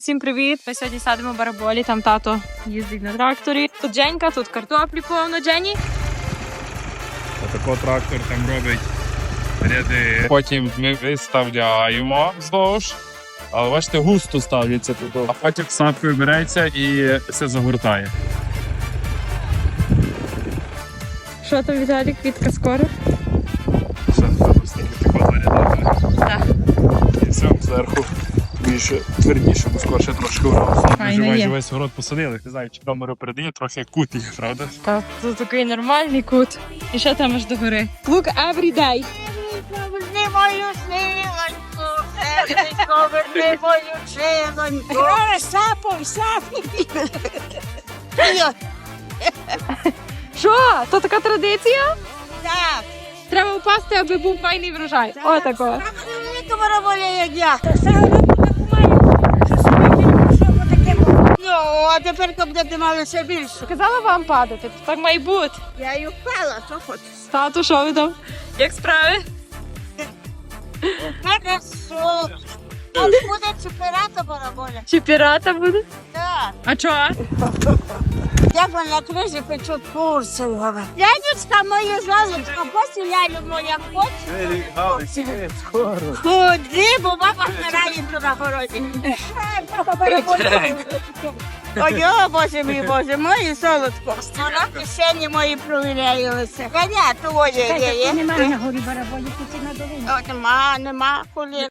Всім привіт! Ми сьогодні садимо бараболі, там тато їздить на тракторі. Тут Женька, тут картоплі повно. Джені. Отако трактор там робить ряди. Потім ми виставляємо вздовж. Але бачите, густо ставляться тут. А потім сапкою береться і все загортає. Що там, Віталік? Квітка скоро? Все, треба стільки тако зарядати. Так. І все зверху більше твердіше, бо скорше трошки урос. Ми є. весь город посадили. Не знаю, чи камеру передає, трохи кут є, правда? Так, тут такий нормальний кут. І що там аж до гори? Look every day. Поверни мою силоньку, поверни мою силоньку. Сапой. Що? То така традиція? Так. Треба впасти, аби був файний врожай. О, такого. Велика бараболя, як я. Ну, а тепер буде мало ще більше. Казала вам падати, то так має бути. Я й впала, що хочеш. Тату, що ви там? Як справи? Хорошо. А буде чемпіонат бараболя. Чи пірата буде? Так. А чого? Я на кризі печу курси. Янечка моє золотко, посіляю моя хоче. Ходи, бо баба вмирає тут на городі. Ой, Боже мій, моє золотко. Вона кишені мої провіряються. Коня твоє є. Немає на горі бараболі, тут і на долині. Нема, колін.